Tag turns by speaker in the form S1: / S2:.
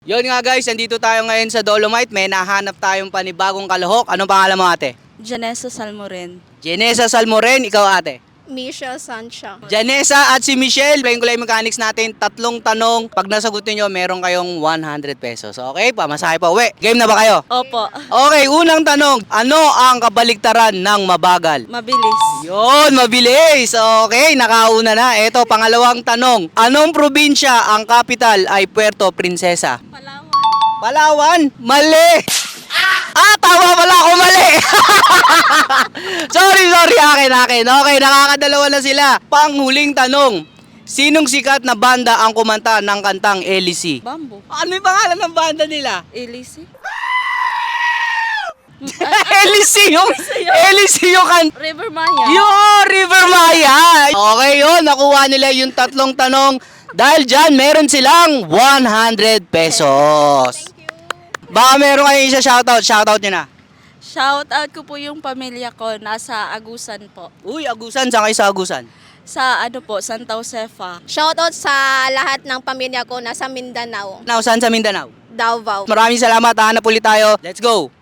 S1: Yun nga guys, nandito tayo ngayon sa Dolomite. May nahanap tayong panibagong kalahok. Anong pangalan mo ate?
S2: Janessa Salmoren.
S1: Janessa Salmoren, ikaw ate?
S3: Michelle Sancha.
S1: Janessa at si Michelle, playing Kulay Mechanics natin. Tatlong tanong. Pag nasagot niyo, meron kayong 100 pesos. Okay, pamasahe pa uwi. Game na ba kayo?
S2: Opo.
S1: Okay, unang tanong. Ano ang kabaliktaran ng mabagal?
S2: Mabilis.
S1: Yun, mabilis. Okay, nakauna na. Ito, pangalawang tanong. Anong probinsya ang capital ay Puerto Princesa?
S2: Palawan.
S1: Palawan? Mali! Tama pala ako, mali! sorry, akin. Okay, nakakadalawa na sila. Panghuling tanong. Sinong sikat na banda ang kumanta ng kantang LC?
S2: Bamboo.
S1: Ano yung pangalan ng banda nila?
S2: Elise.
S1: LC yung kanta.
S2: River Maya.
S1: Yo, River Maya! Okay yun, nakuha nila yung tatlong tanong. Dahil dyan, meron silang 100 pesos. Baka meron kayong isa shoutout nyo na.
S2: Shout out ko po yung pamilya ko. Nasa Agusan po.
S1: Uy, Agusan, saan kayo sa Agusan?
S2: Sa Santa Josefa.
S3: Shoutout sa lahat ng pamilya ko nasa Mindanao,
S1: Saan sa Mindanao?
S3: Davao.
S1: Maraming salamat, hanap ulit tayo. Let's go!